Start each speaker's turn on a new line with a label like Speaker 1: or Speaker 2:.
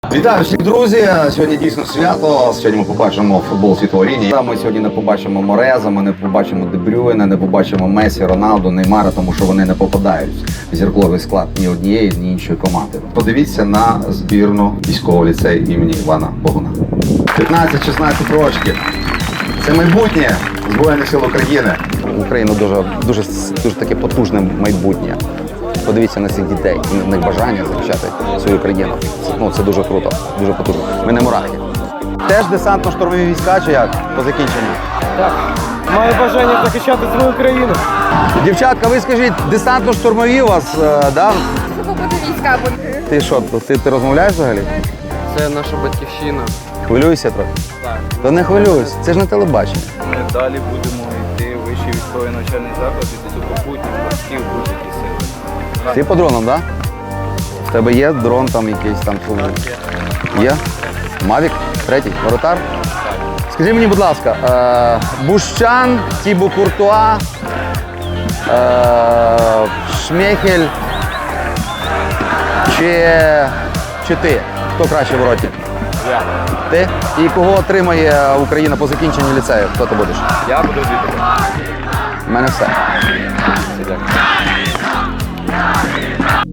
Speaker 1: Вітаю всіх, друзі! Сьогодні дійсно свято. Сьогодні ми побачимо футбол світового рівня. Ми сьогодні не побачимо Мореза, ми не побачимо Де Брюйне, не побачимо Месі, Роналду, Неймара, тому що вони не попадають в зірковий склад ні однієї, ні іншої команди. Подивіться на збірну військового ліцею імені Івана Богуна. 15-16 років. Це майбутнє Збройних сил України. Україна дуже таке потужне майбутнє. Подивіться на цих дітей, в них бажання захищати свою країну. Це дуже круто, дуже потужно. Ми не мурахи. Теж десантно-штурмові війська чи як по закінченню?
Speaker 2: Так, маю бажання захищати свою країну.
Speaker 1: Дівчатка, ви скажіть, десантно-штурмові у вас, да?
Speaker 3: Буде війська.
Speaker 1: Ти що, ти розмовляєш взагалі?
Speaker 2: Це наша батьківщина.
Speaker 1: Хвилюєшся трохи?
Speaker 2: Так.
Speaker 1: Та не хвилююсь, це ж не телебачення.
Speaker 4: Ми далі будемо йти в вищий військовий навчальний заклад і до сухопутних морських будь-які сили.
Speaker 1: Ти по дронам, так? Да? В тебе є дрон там якийсь там? Є? Мавік? Третій? Воротар? Скажи мені, будь ласка, Бущан, Тібо Куртуа, Шмехель чи ти? Хто краще в вороті?
Speaker 4: Я.
Speaker 1: Ти? І кого отримає Україна по закінченню ліцею? Хто ти будеш?
Speaker 4: Я буду звідти.
Speaker 1: У мене все.
Speaker 4: Дякую.